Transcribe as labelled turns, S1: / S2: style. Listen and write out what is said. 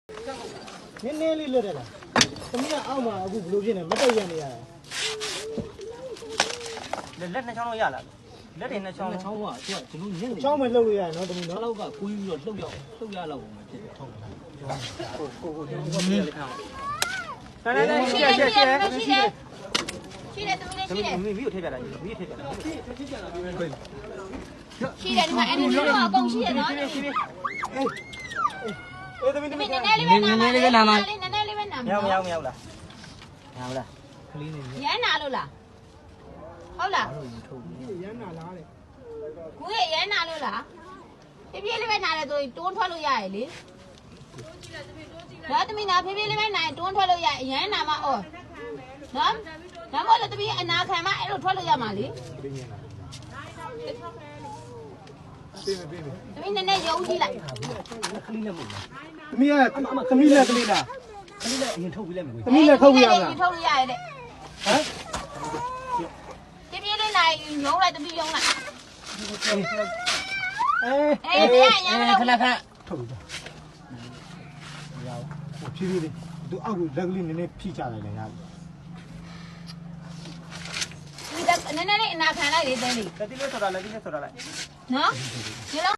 S1: နည်းနည်းလေးလွတ်တယ်လားသမီးကအောက်မှာအခုဘလို့ဖြစ်နေမတက်ရနေရတာ
S2: လက်နှစ်ချောင်းတော့ရလာလက်တွေနှစ်ချောင်းကကျွန်တော်ညက်နေ
S1: ချောင်းမလှုပ်လို့ရရနော်သမီးနော်
S2: လောက်ကကိုင်းပြီးတော့လှုပ်ရလောက်ပုံပဲဖြစ်တယ်ဟုတ်လားကိုကျွန်တော်ပြရလေးထားနိုင်ရှိတယ်သမီးလေးရှိတယ်မိကိုထည့်ပြတာမိကိုထည့်ပြတာ
S3: ရှိတယ်ဒီမှာအဲ့ဒီတော့အကုန်ရှိရနော်
S1: သမီး
S3: နည်းနည်းလေးပဲနာမနည်းနည်းလေးပဲနာမ
S2: မရောက်လားမရောက်လား
S1: ကလေးနေ
S3: ရမ်းနာလို့လားဟုတ်လား
S1: ရမ်းနာလားတဲ့
S3: ကိုရရမ်းနာလို့လားဖြည်းဖြည်းလေးပဲနာတယ်ဆိုရင်တွန်းထွက်လို့ရရလေဒါသမီးနာဖြည်းဖြည်းလေးပဲနာရင်တွန်းထွက်လို့ရရမ်းနာမအော်နော်ဒါမှမဟုတ်သမီးအနာခံမအဲ့လိုထွက်လို့ရမှာလေသမီးနည်းနည်းရုံးကြည့်လိုက်က
S2: လေးနဲ့မဟုတ်လား
S1: သမီးကသမီးလက်ကလေးလား
S2: ကလေးနဲ့အရင်ထုတ်ပြီးလိုက်မယ်ကို
S1: သမီးလက်ထုတ်ပြရလား
S3: ထုတ်လို့ရတယ်တဲ့
S1: ဟမ်
S3: ဖြည်းဖြည်းလေးနိုင်ရုံးလိုက်သမီးရုံးလိုက်
S1: အေး
S3: တရားရမ်း
S2: ခဏ
S1: ထုတ်ပြီမရဘူးဖြည်းဖြည်းလေးသူအောက်ကလက်ကလေးနည်းနည်းဖိချလိုက်တယ်ရတယ်
S3: ဒီနည်းနည်းလေးအနာခံလိုက်လေတဲလေး
S2: လက်တိလေးဆိုတာလက်တိလေးဆိုတာလိုက်
S3: နော်ဒီလို